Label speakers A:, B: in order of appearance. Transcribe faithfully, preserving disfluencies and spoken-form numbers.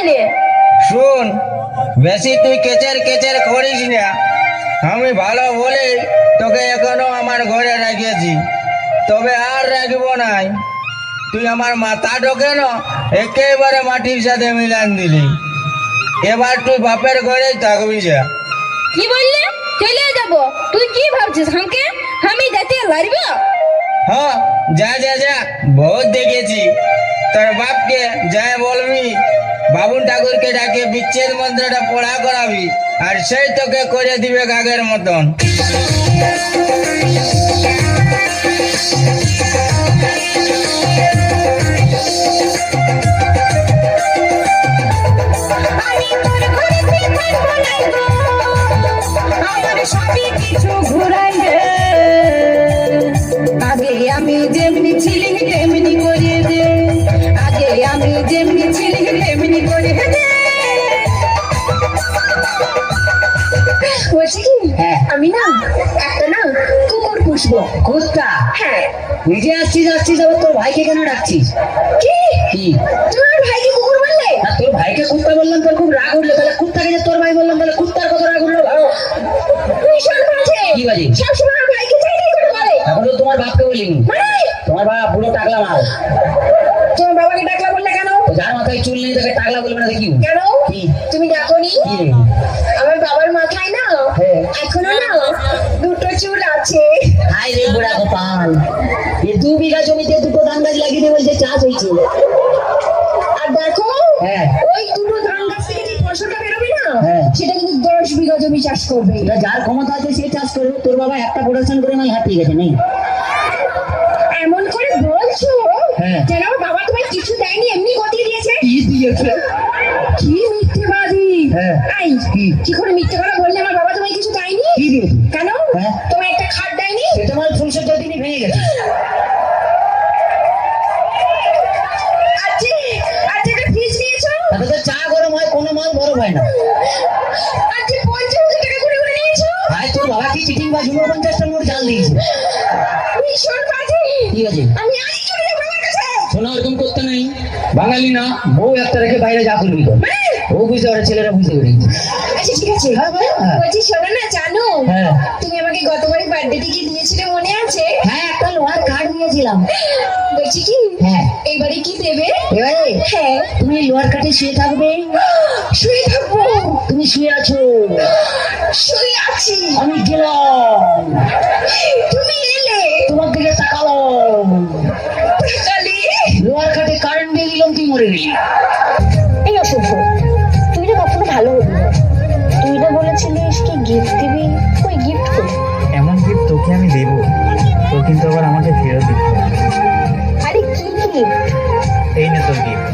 A: কেনে?
B: শুন, বেশি তুই কেচের কেচের করিস না। আমি ভালো বলে তোকে এখনো আমার ঘরে রেখেছি, তবে আর রাখবো নাই। তুই আমার মাথাটাকে না একেবারে মাটির সাথে মিলান দিলি। এবার তুই বাপের ঘরেই থাকবি যা।
A: কি বললে? চলে যাব? তুই কি ভাবছিস আমাকে আমি যেতে লারব?
B: হ্যাঁ, যা যা যা, বহুত দেখেছি। তোর বাপকে যা বলবি, বাবুন ঠাকুরকে ডাকে বিচ্ছেদ মন্ত্রটা পড়া করাবি, আর সেই তোকে করে দিবে কাকের মতন।
C: আগে আমি যেমনি ছিলি তেমনি করে দে, আগে আমি যেমনি ছিলি তেমনি করে দে। বলছি কি, আমি না একটা না কুকুর পুষবো।
D: কুত্তা?
C: হ্যাঁ।
D: নিজে আসছিস আসছিস আবার তোর ভাইকে কেন ডাকছিস?
C: কি
D: কি?
C: তোমার ভাইকে কুকুর বললে?
D: না, তোর ভাইকে কুত্তা বললাম তোর খুব রাগ উঠলো, তাহলে কুত্তাকে যে তোর ভাই বললাম তাহলে কুত্তার কত রাগ উঠলো ভালো।
C: ভীষণ বাজে।
D: কি বাজে?
C: সবসময় আমার ভাইকে চাই চাই করে বলে।
D: এখন তো তোমার বাপকে বলিনি,
C: মানে
D: তোমার বাপ পুরো টাকলা মাল।
C: তোমার বাবাকে ডাকলা বললে কেন?
D: যার মাথায় চুল নেই তাকে টাকলা বলবে না কি?
C: কেন?
D: কি?
C: তুমি ডাকোনি?
D: কি রে?
C: আমার বাবার মাথায় না
D: হ্যাঁ।
C: এখনো না দুটো চুল আছে।
D: হাই রে বুড়া গোপাল, এ দু বিঘা জমিতে দুটো ধান গাছ লাগিয়ে দিয়ে বলছে চাষ হয়েছে।
C: আর দেখো,
D: হ্যাঁ।
C: ওই দুটো ধান গাছ থেকে যে ফসলটা বেরোবে না,
D: হ্যাঁ।
C: সেটা কিন্তু দশ বিঘা জমি চাষ করবে।
D: এটা যার ক্ষমতা আছে সে চাষ করবে। তোর বাবা একটা প্রোডাকশন করে নাই হাঁপিয়ে গেছে নেই?
C: এমন করে বলছো
D: হ্যাঁ।
C: যেন আমার বাবা তোমায় কিছু দেয়নি, এমনি গতিয়ে দিয়েছে।
D: কি দিয়েছে?
C: কি মিথ্যেবাদী!
D: হ্যাঁ।
C: এই,
D: কি?
C: কি করে মিথ্যে কথা বললে আমার বাবা তোমায় কিছু দেয়নি?
D: কি দিয়েছে?
C: কেন?
D: হ্যাঁ।
C: তোমায় একটা খাট দেয়নি?
D: সে তোমার ফুলসজ্জার দিনই ভেঙে গেছে।
C: আজকে আজকে একটা ফ্রিজ নিয়েছো?
D: তাতে তো চা গরম হয়, কোনো মাল বরফ হয় না।
C: আজকে পঞ্চাশ হাজার টাকা করে করে নিয়েছো?
D: ভাই তোর বাবা কি চিটিং বা ঝুমো পঞ্চাশটার মোট জাল দিয়েছে।
C: ভীষণ বাজে।
D: ঠিক আছে,
C: আমি আজই চলে যাবো বাবার কাছে।
D: শোনা ওরকম করতে নেই। বাঙালি না, বউ একটা রেখে বাইরে যা করবি কর। ও বুঝতে পারে, ছেলেরা বুঝতে পেরেছে।
C: আচ্ছা ঠিক আছে।
D: হ্যাঁ ভাই, হ্যাঁ।
C: বলছি শোনো না, জানো
D: হ্যাঁ।
C: তুমি আমাকে গতবারে বার্থডেতে কি দিয়েছিলে মনে আছে?
D: হ্যাঁ, একটা লোহার কাঠ দিয়েছিলাম।
C: বলছি কি,
D: হ্যাঁ।
C: এইবারে কি দেবে?
D: এবারে
C: হ্যাঁ।
D: তুমি লোহার কাঠে শুয়ে থাকবে।
C: শুয়ে থাকবো?
D: তুমি শুয়ে আছো,
C: শুয়ে আছি।
D: আমি গেলাম,
C: তুমি এলে,
D: তোমার দিকে তাকালাম,
C: তাকালে
D: লোহার কাঠে কারেন্ট দিয়ে দিলাম, তুই মরে গেলি।
A: এই অসভ্য, তুই না কখনো ভালো হবি না। তুই না বলেছিলিস কি গিফট দিবি, ওই গিফট করি।
E: এমন গিফট তোকে আমি দেবো, তো কিন্তু আবার আমাকে ফেরত দিতে হবে।
A: আরে কি গিফট?
E: এই না তোর গিফট।